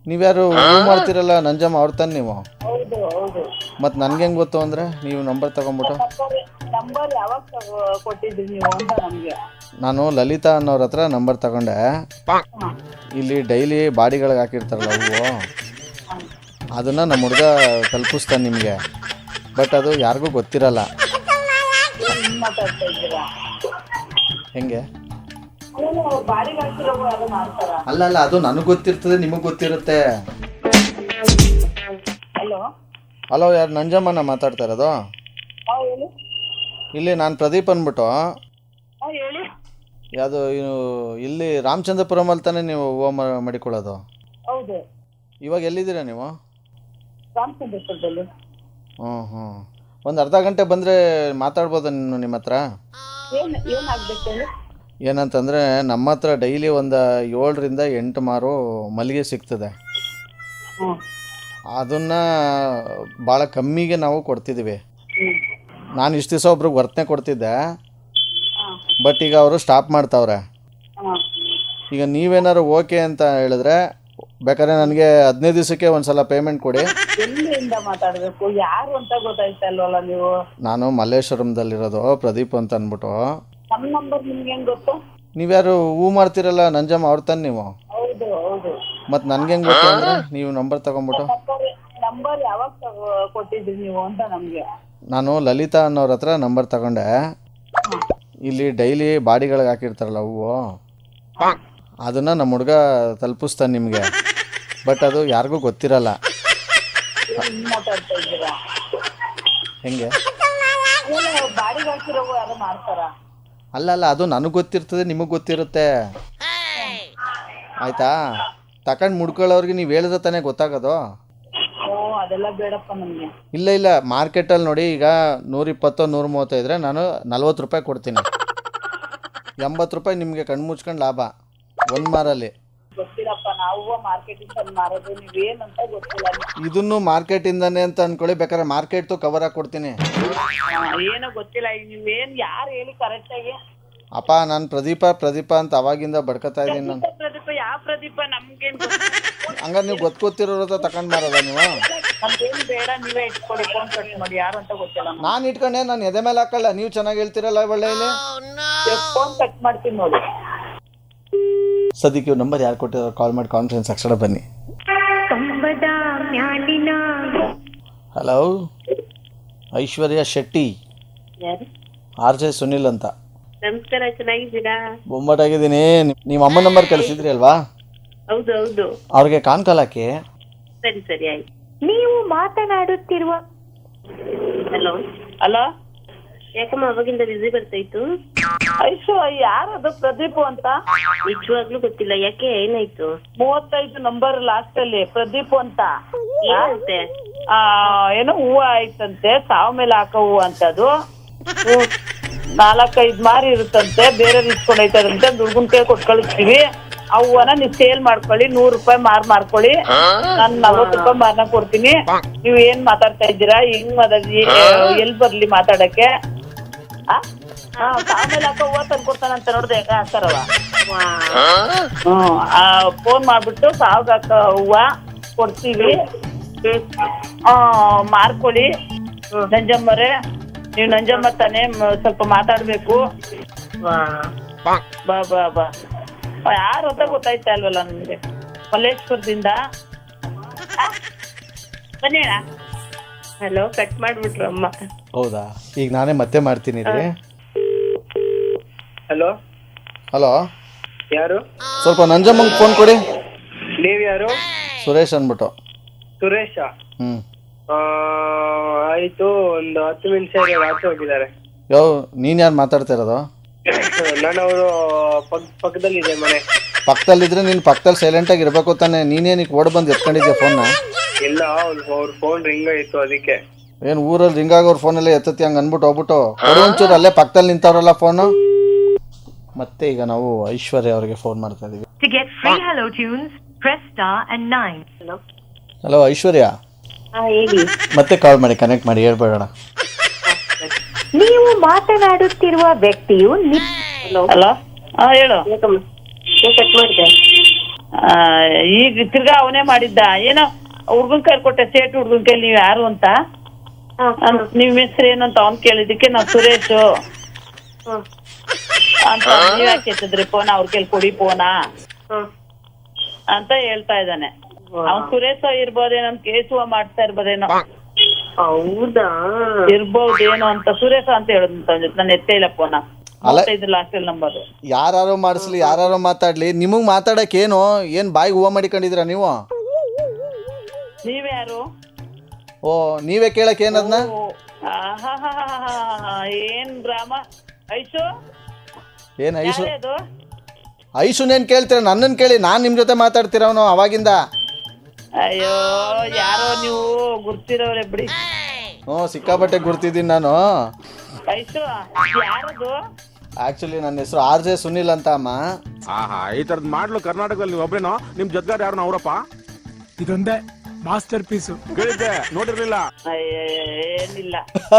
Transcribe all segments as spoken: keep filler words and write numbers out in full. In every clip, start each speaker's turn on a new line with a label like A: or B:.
A: ನೀವ್ಯಾರು ಹೂ ಮಾಡ್ತಿರಲ್ಲ ನಂಜಮ್ಮ ಅವ್ರ ತಾನೆ ನೀವು?
B: ಹೌದು ಹೌದು.
A: ಮತ್ತು ನನ್ಗೆ ಹೆಂಗೆ ಗೊತ್ತು ಅಂದರೆ ನೀವು ನಂಬರ್ ತಗೊಂಬಿಟ್ಟು?
B: ನಂಬರ್ ಯಾವಾಗ ಕೊಟ್ಟಿದ್ರಿ ನೀವು ಅಂತ ನಮಗೆ.
A: ನಾನು ಲಲಿತಾ ಅನ್ನೋರ ಹತ್ರ ನಂಬರ್ ತಗೊಂಡೆ. ಇಲ್ಲಿ ಡೈಲಿ ಬಾಡಿಗಳಿಗೆ ಹಾಕಿರ್ತಾರಲ್ಲ ಹೂವು, ಅದನ್ನು ನಮ್ಮ ಹುಡುಗ ತಲುಪಿಸ್ತಾನೆ ನಿಮಗೆ. ಬಟ್ ಅದು ಯಾರಿಗೂ ಗೊತ್ತಿರಲ್ಲ.
B: ಮಾತಾಡ್ತಾ ಇದ್ದೀರಾ?
A: ಹೆಂಗೆ?
B: ಬಾಡಿಗೆ ಮಾಡ್ತಾರ?
A: ಅಲ್ಲ ಅಲ್ಲ, ಅದು ನನಗೆ ಗೊತ್ತಿರ್ತದೆ, ನಿಮಗೆ ಗೊತ್ತಿರುತ್ತೆ.
B: ಹಲೋ
A: ಹಲೋ, ಯಾರು ನಂಜಮ್ಮನ ಮಾತಾಡ್ತಾ ಇರೋದು?
B: ಹೇಳಿ.
A: ಇಲ್ಲಿ ನಾನು ಪ್ರದೀಪ್ ಅಂದ್ಬಿಟ್ಟು.
B: ಹೇಳಿ.
A: ಯಾವುದು ಇಲ್ಲಿ ರಾಮಚಂದ್ರಪುರಮಲ್ಲಿ ತಾನೇ ನೀವು ಹೂವು ಮಡಿಕೊಳ್ಳೋದು?
B: ಹೌದು.
A: ಇವಾಗ ಎಲ್ಲಿದ್ದೀರಾ ನೀವು?
B: ರಾಮಚಂದ್ರಪುರದಲ್ಲಿ.
A: ಹ್ಞೂ ಹ್ಞೂ ಒಂದು ಅರ್ಧ ಗಂಟೆ ಬಂದರೆ ಮಾತಾಡ್ಬೋದಾ ನೀನು ನಿಮ್ಮ ಹತ್ರ?
B: ಏನು ಏನಾಗಬೇಕು ಹೇಳಿ?
A: ಏನಂತಂದರೆ ನಮ್ಮ ಹತ್ರ ಡೈಲಿ ಒಂದು ಏಳರಿಂದ ಎಂಟು ಮಾರು ಮಲ್ಲಿಗೆ ಸಿಗ್ತದೆ. ಅದನ್ನು ಭಾಳ ಕಮ್ಮಿಗೆ ನಾವು ಕೊಡ್ತಿದ್ದೀವಿ. ನಾನು ಇಷ್ಟು ದಿವಸ ಒಬ್ರಿಗೆ ವರ್ತನೆ ಕೊಡ್ತಿದ್ದೆ, ಬಟ್ ಈಗ ಅವರು ಸ್ಟಾಪ್ ಮಾಡ್ತಾವ್ರೆ. ಈಗ ನೀವೇನಾದ್ರು ಓಕೆ ಅಂತ ಹೇಳಿದ್ರೆ ಬೇಕಾದ್ರೆ ನನಗೆ ಹದಿನೈದು ದಿವಸಕ್ಕೆ ಒಂದು ಸಲ ಪೇಮೆಂಟ್ ಕೊಡಿ.
B: ಎಲ್ಲಿಂದ ಮಾತಾಡಬೇಕು, ಯಾರು ಅಂತ ಗೊತ್ತಾಯ್ತಲ್ವಲ್ಲ ನೀವು?
A: ನಾನು ಮಲ್ಲೇಶ್ವರಂದಲ್ಲಿರೋದು, ಪ್ರದೀಪ್ ಅಂತ ಅಂದ್ಬಿಟ್ಟು.
B: ನಮ್ಮ ನಂಬರ್ ನಿಮ್ಗೆ ಹೆಂಗೆ ಗೊತ್ತು?
A: ನೀವ್ಯಾರು ಹೂ ಮಾಡ್ತಿರಲ್ಲ ನಂಜಮ್ಮ ಅವ್ರ ತಾನೆ ನೀವು?
B: ಹೌದು ಹೌದು.
A: ಮತ್ತು ನನ್ಗೆ ಹೆಂಗೆ ಗೊತ್ತು ಅಂದರೆ ನೀವು ನಂಬರ್ ತಗೊಂಬಿಟ್ಟು?
B: ನಂಬರ್ ಯಾವಾಗ ಕೊಟ್ಟಿದ್ರಿ ನೀವು ಅಂತ ನಮಗೆ.
A: ನಾನು ಲಲಿತಾ ಅನ್ನೋರ ಹತ್ರ ನಂಬರ್ ತಗೊಂಡೆ. ಇಲ್ಲಿ ಡೈಲಿ ಬಾಡಿಗಳಿಗೆ ಹಾಕಿರ್ತಾರಲ್ಲ ಹೂವು, ಅದನ್ನು ನಮ್ಮ ಹುಡುಗ ತಲುಪಿಸ್ತಾನೆ ನಿಮಗೆ. ಬಟ್ ಅದು ಯಾರಿಗೂ ಗೊತ್ತಿರಲ್ಲ.
B: ಮಾತಾಡ್ತಾ ಇದ್ದೀರಾ?
A: ಹೆಂಗೆ?
B: ಬಾಡಿಗೆ ಹಾಕಿರೋ ಯಾರು ಮಾಡ್ತಾರ?
A: ಅಲ್ಲ ಅಲ್ಲ, ಅದು ನನಗೆ ಗೊತ್ತಿರ್ತದೆ, ನಿಮಗೆ ಗೊತ್ತಿರುತ್ತೆ. ಆಯಿತಾ? ತಗೊಂಡು ಮುಡ್ಕೊಳ್ಳೋರಿಗೆ ನೀವು ಹೇಳಿದ್ರೆ ತಾನೇ ಗೊತ್ತಾಗೋದು.
B: ಓ, ಅದೆಲ್ಲ ಬೇಡಪ್ಪ ನಮಗೆ.
A: ಇಲ್ಲ ಇಲ್ಲ, ಮಾರ್ಕೆಟಲ್ಲಿ ನೋಡಿ, ಈಗ ನೂರಿಪ್ಪತ್ತು ನೂರ ಮೂವತ್ತೈದ್ರೆ ನಾನು ನಲ್ವತ್ತು ರೂಪಾಯಿ ಕೊಡ್ತೀನಿ. ಎಂಬತ್ತು ರೂಪಾಯಿ ನಿಮಗೆ ಕಣ್ಣು ಮುಚ್ಕೊಂಡು ಲಾಭ ಒಂದು ಮಾರಲ್ಲಿ.
B: ಗೊತ್ತಿಲ್ಲಪ್ಪ, ನಾವು ಮಾರ್ಕೆಟಿಂದ ಮಾರೋದು, ನೀವೇನಂತ ಗೊತ್ತಿಲ್ಲ.
A: ಇದನ್ನು ಮಾರ್ಕೆಟಿಂದಾನೆ ಅಂತ ಅನ್ಕೊಳ್ಳಿ, ಬೇಕಾದ್ರೆ ಮಾರ್ಕೆಟ್ದು ಕವರ್ ಆಗಿ ಕೊಡ್ತೀನಿ.
B: ಏನೋ ಗೊತ್ತಿಲ್ಲ, ನೀವೇನು ಯಾರು ಹೇಳಿ ಕರೆಕ್ಟಾಗಿ?
A: ಅಪ್ಪ, ನಾನು ಪ್ರದೀಪ ಪ್ರದೀಪ ಅಂತ ಅವಾಗಿಂದ ಬಡ್ಕೊತಾ ಇದ್ದೀನಿ ನಾನು.
B: ಪ್ರದೀಪ ಯಾವ ಪ್ರದೀಪ? ನಮ್ಗೇನು
A: ಹಂಗಾರೆ ನೀವು ಗೊತ್ತು ಗೊತ್ತಿರೋದ ತಗೊಂಡು ಮಾರೋದ ನೀವು?
B: ನಮ್ಗೇನು ಬೇಡ, ನೀವೇ ಇಟ್ಕೊಳ್ಳಿ, ಫೋನ್ ಕಟ್ ಮಾಡಿ. ಯಾರು ಅಂತ ಗೊತ್ತಿಲ್ಲ.
A: ನಾನು ಇಟ್ಕೊಂಡೆ, ನಾನು ಎದೆ ಮೇಲೆ ಹಾಕಲ್ಲ. ನೀವು ಚೆನ್ನಾಗಿ ಹೇಳ್ತೀರಲ್ಲ ಒಳ್ಳೆ. ಇಲ್ಲಿ
B: ಫೋನ್ ಕಟ್ ಮಾಡ್ತೀನಿ ನೋಡಿ.
A: ಸದ್ಯಕ್ಕೆ ನಂಬರ್ ಯಾರು ಕೊಟ್ಟಿರೋ ಕಾಲ್ ಮಾಡಿ ಕಾನ್ಫರೆನ್ಸ್ ಅಕ್ಷರ ಬನ್ನಿ. Hello, Aishwarya Shetty, R J Sunil ಅಂತ.
B: ನಮಸ್ಕಾರ, ಚೆನ್ನಾಗಿದ್ದೀರಾ?
A: ಬೊಂಬಾಟಾಗಿದ್ದೀನಿ. ನಿಮ್ಮ ಅಮ್ಮ ನಂಬರ್ ಕಳಿಸಿದ್ರಿ ಅಲ್ವಾ?
B: ಹೌದು ಹೌದು.
A: ಅವ್ರಿಗೆ ಕಾನ್ ಕಾಲ್ ಹಾಕಿ.
B: ಸರಿ ಸರಿ ಆಯ್ತು. ನೀವು ಮಾತನಾಡುತ್ತಿರುವ ಹಲೋ ಹಲೋ. ಯಾಕಮ್ಮ ಅವಾಗಿಂದ ಬಿಸಿ ಬರ್ತಾಯಿತ್ತು? ಐಶು, ಯಾರದು? ಪ್ರದೀಪ್ ಅಂತ. ನಿಜವಾಗ್ಲೂ ಗೊತ್ತಿಲ್ಲ, ಯಾಕೆ ಏನಾಯ್ತು? ಮೂವತ್ತೈದು ನಂಬರ್ ಲಾಸ್ಟ್ ಅಲ್ಲಿ ಪ್ರದೀಪ್ ಅಂತ. ಏನಂತೆ? ಏನೋ ಹೂವು ಆಯ್ತಂತೆ, ಸಾವ್ ಮೇಲೆ ಹಾಕೋ ಹೂವು ಅಂತದು. ನಾಲ್ಕೈದು ಮಾರಿ ಇರುತ್ತಂತೆ, ಬೇರೆ ಇಸ್ಕೊಂಡೈತಾರಂತೆ. ದುರ್ಗುನ್ ಕೈ ಕೊಟ್ಟು ಕಳಿಸ್ತೀವಿ. ಆ ಹೂವನ ನೀವು ಸೇಲ್ ಮಾಡ್ಕೊಳ್ಳಿ, ನೂರು ರೂಪಾಯಿ ಮಾರ್ ಮಾರ್ಕೊಳ್ಳಿ. ನಾನು ನಲ್ವತ್ತು ರೂಪಾಯಿ ಮಾರ್ನ ಕೊಡ್ತೀನಿ. ನೀವು ಏನ್ ಮಾತಾಡ್ತಾ ಇದ್ದೀರಾ? ಹೆಂಗ್ ಮಾತಾಡಿ? ಎಲ್ಲಿ ಬರ್ಲಿ ಮಾತಾಡಕ್ಕೆ? ಆಮೇಲೆ ಹಾಕೋ ಹೂವ ತಂದು ಕೊಡ್ತಾನಂತ ನೋಡ್ದೆ, ಹೆಂಗ ಹಾಕ್ತಾರವ. ಹ್ಮ್ ಫೋನ್ ಮಾಡ್ಬಿಟ್ಟು ಸಾವಿಗೆ ಹಾಕೋ ಹೂವ ಕೊಡ್ತೀವಿ, ಮಾರ್ಕೊಳ್ಳಿ. ನಂಜಮ್ಮರೇ, ನೀವು ನಂಜಮ್ಮ ತಾನೇ, ಸ್ವಲ್ಪ ಮಾತಾಡ್ಬೇಕು. ಬಾ ಬಾ ಬಾ. ಯಾರು ಅಂತ ಗೊತ್ತಾಯ್ತಾ ಅಲ್ವಲ್ಲ ನಮ್ಗೆ? ಮಲ್ಲೇಶ್ವರದಿಂದ ಬನ್ನಿ. ಹಲೋ, ಕಟ್ ಮಾಡ್ಬಿಟ್ರು ಅಮ್ಮ.
A: ಹೌದಾ? ಈಗ ನಾನೇ ಮತ್ತೆ ಮಾಡ್ತೀನಿ ರೀ.
C: ಹಲೋ
A: ಹಲೋ,
C: ಯಾರು?
A: ಸ್ವಲ್ಪ ನಂಜಮ್ಮಂಗೆ ಫೋನ್ ಕೊಡಿ.
C: ನೀವು ಯಾರು?
A: ಸುರೇಶ್ ಅಂದ್ಬಿಟ್ಟು.
C: ಸುರೇಶ?
A: ಹ್ಞೂ
C: ಆಯಿತು, ಒಂದು ಹತ್ತು ನಿಮಿಷ ಆಚೆ ಹೋಗಿದ್ದಾರೆ.
A: ಯಾವ ನೀನು ಯಾರು ಮಾತಾಡ್ತಾ ಇರೋದು?
C: ನಾನು ಅವರು ಪಕ್ಕದಲ್ಲಿದೆ ಮನೆ.
A: ಪಕ್ಕದಲ್ಲಿದ್ರೆ ನೀನು ಪಕ್ಕದಲ್ಲಿ ಸೈಲೆಂಟಾಗಿ ಇರಬೇಕು ತಾನೆ. ನೀನೇನಕ್ಕೆ ಓಡ್ ಬಂದು ಎತ್ಕೊಂಡಿದ್ದೆ ಫೋನ್ನ?
C: ಇಲ್ಲ, ಅವ್ರ ಫೋನ್ ರಿಂಗ್ ಆಯಿತು, ಅದಕ್ಕೆ.
A: ಏನು ಊರಲ್ಲಿ ರಿಂಗ್ ಆಗೋರು ಫೋನಲ್ಲೇ ಎತ್ತತಿ ಹಂಗೆ ಅಂದ್ಬಿಟ್ಟು ಹೋಗ್ಬಿಟ್ಟು ಕೊಡು ಒಂಚೂರು, ಅಲ್ಲೇ ಪಕ್ಕದಲ್ಲಿ ನಿಂತವ್ರಲ್ಲ ಫೋನು. ಮತ್ತೆ ಈಗ ನಾವು ಐಶ್ವರ್ಯ ಅವರಿಗೆ ಫೋನ್ ಮಾಡ್ತಾ ಇದೀವಿ. ಹಲೋ ಐಶ್ವರ್ಯ, ಮತ್ತೆ ಕಾಲ್ ಮಾಡಿ, ಕನೆಕ್ಟ್ ಮಾಡಿ, ಹೇಳ್ಬೇಡ.
B: ನೀವು ಮಾತನಾಡುತ್ತಿರುವ ವ್ಯಕ್ತಿಯು. ಹಲೋ, ಹಾ ಹೇಳು. ಕಟ್ ಮಾಡಿದೆ. ಆ, ಈಗ ತಿರ್ಗಾ ಅವನೇ ಮಾಡಿದ್ದ ಏನೋ ಹುಡ್ಗನ್ ಕೈ ಕೊಟ್ಟೆ ಸೇಟ್ ಹುಡ್ಗನ್ ಕೈ ನೀವ್ ಯಾರು ಅಂತ ಅನ್- ನಿಮ್ ಹೆಸರು ಏನು ಅಂತ ಅವ್ನ್ ಕೇಳಿದಕ್ಕೆ ನಾವ್ ಸುರೇಶ್ ಅಂತ ನೀವ್ ಯಾಕೆ ಎತ್ತಿದ್ರಿ ಫೋನ್ ಅವ್ರ ಕೇಳಿ ಕೊಡಿ ಫೋನ ಅಂತ ಹೇಳ್ತಾ ಇದ್ದಾನೆ. ಅವ್ನ್ ಸುರೇಶ್ ಇರ್ಬೋದೇನೋ ಕೇಸುವ ಮಾಡ್ತಾ ಇರ್ಬೋದೇನೋ
C: ಹೌದಾ
B: ಇರ್ಬೋದೇನೋ ಅಂತ ಸುರೇಶ್ ಅಂತ ಹೇಳುದಂತ ನಾನು ಎತ್ತೇ ಇಲ್ಲ ಫೋನ ಮೂವತ್ತೈದು ಲಾಸ್ಟ್ ನಂಬರ್.
A: ಯಾರು ಮಾಡಿಸ್ಲಿ ಯಾರು ಮಾತಾಡ್ಲಿ ನಿಮಗೆ ಮಾತಾಡಕ್ಕೆ ಏನು ಏನು ಬಾಯಿಗೆ ಹೂವು ಮಾಡಿಕೊಂಡಿದ್ದೀರಾ ನೀವು?
B: ನೀವ್ಯಾರು?
A: ಓ ನೀವೇ ಕೇಳಕ್ಕೆ ಏನದನ್ನ?
B: ಓ, ಆಹಾಹಾಹಾಹಾ, ಏನ್ ಡ್ರಾಮ. ಐಶು
A: ಏನು ಐಶು
B: ಯಾರೇ ಅದು?
A: ಐಶುನೇನು ಕೇಳ್ತೀರ? ನನ್ನನ್ನು ಕೇಳಿ, ನಾನು ನಿಮ್ಮ ಜೊತೆ ಮಾತಾಡ್ತಿರೋನು ಅವಾಗಿಂದ.
B: ಅಯ್ಯೋ ಯಾರೋ ನೀವು ಗುರ್ತಿರೋರೆ ಬಿಡಿ.
A: ಹ್ಞೂ ಸಿಕ್ಕಾಪಟ್ಟೆ ಗುರ್ತಿದ್ದೀನಿ ನಾನು.
B: ಐಶು ಯಾರದು?
A: ಆ್ಯಕ್ಚುಲಿ ನನ್ನ ಹೆಸರು ಆರ್ ಜೆ ಸುನಿಲ್ ಅಂತ ಅಮ್ಮ.
D: ಆಹಾ ಈ ತರದ್ ಮಾಡ್ಲು ಕರ್ನಾಟಕದಲ್ಲಿ ನೀವು ಒಬ್ರೇನೋ? ನಿಮ್ ಜೊತೆಗಾರ ಯಾರು ಅವರಪ್ಪ?
E: ಇದೊಂದೇ ಮಾಸ್ಟರ್ ಪೀಸು.
D: ಕೇಳಿದ್ದೆ ನೋಡಿರ್ಲಿಲ್ಲ.
B: ಅಯ್ಯ ಏನಿಲ್ಲ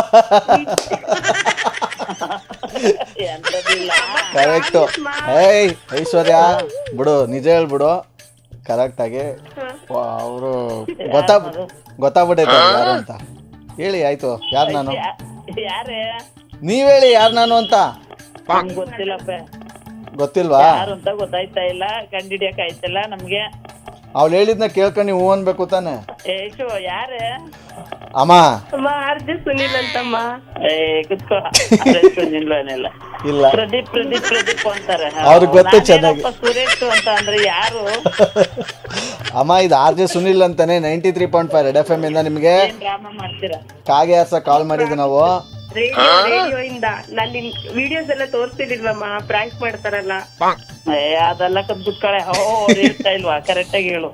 B: ಎಂತದಿಲ್ಲ.
A: ಕರೆಕ್ಟು. ಏಯ್ ಐಶ್ವರ್ಯ ಬಿಡು, ನಿಜ ಹೇಳ್ಬಿಡು ಕರೆಕ್ಟಾಗಿ. ಅವರು ಗೊತ್ತಾ ಗೊತ್ತಾಗ್ಬಿಟ್ಟೈತೆ ಅವ್ರು ಯಾರು ಅಂತ. ಹೇಳಿ ಆಯ್ತು, ಯಾರು ನಾನು?
B: ಯಾರೇ?
A: ನೀವ್ ಹೇಳಿ ಯಾರು ನಾನು ಅಂತ.
B: ನಮ್ಗ್ ಗೊತ್ತಿಲ್ಲಪ್ಪ
A: ಗೊತ್ತಿಲ್ವಾ?
B: ಯಾರು ಅಂತ ಗೊತ್ತಾಯ್ತಾ ಇಲ್ಲ, ಕಂಡಿಡಿಯಕ್ ಆಯ್ತಲ್ಲ ನಮ್ಗೆ.
A: ಅವ್ಳು ಹೇಳಿದ್ನ ಕೇಳ್ಕೊಂಡು ನೀವು ಹೂ ಅನ್ಬೇಕು ತಾನೆ.
B: ಏಶು ಯಾರೇ?
A: ಅಮ್ಮ
B: ಅಮ್ಮ ಆರ್ ಜೆ ಸುನಿಲ್ ಅಂತಮ್ಮ. ಏ ಕುತ್ಕೋ ನಿಲ್ವೇನಿಲ್ಲ.
A: ಇಲ್ಲ
B: ಪ್ರದೀಪ್ ಪ್ರದೀಪ್ ಪ್ರದೀಪ್ ಅಂತಾರೆ.
A: ಅವ್ರಿಗೆ ಗೊತ್ತು ಚೆನ್ನಾಗಿ.
B: ನಾನೇನಪ್ಪ ಸುರೇಶ್ ಅಂತ ಅಂದ್ರೆ ಯಾರು?
A: ಅಮ್ಮ ಇದು ಆರ್ ಜೆ ಸುನಿಲ್ ಅಂತಾನೆ ninety three point five red F M ಇಂದ ನಿಮಗೆ
B: ಏನ್ ಡ್ರಾಮಾ ಮಾಡ್ತೀರಾ?
A: ಕಾಗೆ ಹಾರ್ಸ ಕಾಲ್ ಮಾಡಿದ್ವಿ ನಾವು.
F: ರೇಡಿಯೋ ರೇಡಿಯೋ ಇಂದ ನಾನು ನಿನ್ ವಿಡಿಯೋಸ್ ಎಲ್ಲ ತೋರಿಸ್ತಿರ್ಲಿಲ್ವಮ್ಮ, ಪ್ರಾಂಕ್ ಮಾಡ್ತಾರಲ್ಲ.
B: ಏ ಅದೆಲ್ಲ ಕದ್ ಕುತ್ಕಳೆ. ಓ ಹೇಳ್ತಾ ಇಲ್ವಾ? ಕರೆಕ್ಟ್ ಆಗಿ ಹೇಳು.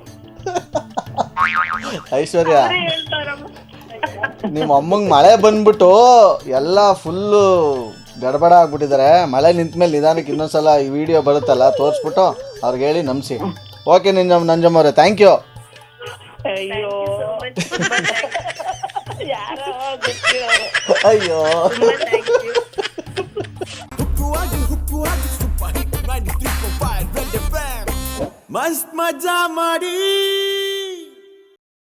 A: ಐಶ್ವರ್ಯ
F: ಹೇಳ್ತಾರಮ್ಮ.
A: ನಿಮ್ಮ ಅಮ್ಮಂಗೆ ಮಳೆ ಬಂದ್ಬಿಟ್ಟು ಎಲ್ಲ ಫುಲ್ಲು ಗಡಬಡ ಆಗ್ಬಿಟ್ಟಿದ್ದಾರೆ. ಮಳೆ ನಿಂತ ಮೇಲೆ ನಿಧಾನಕ್ಕೆ ಇನ್ನೊಂದ್ಸಲ ಈ ವಿಡಿಯೋ ಬರುತ್ತಲ್ಲ ತೋರಿಸ್ಬಿಟ್ಟು ಅವ್ರಿಗೆ ಹೇಳಿ ನಂಬಿಸಿ. ಓಕೆ ನಿಂಜಮ್ ನಂಜಮ್ಮ ಅವರೇ, ಥ್ಯಾಂಕ್ ಯು.
B: ಅಯ್ಯೋ ಯಾರೋ ಗೊತ್ತಿರೋರು.
A: ಅಯ್ಯೋ
G: मस्त मजा मारी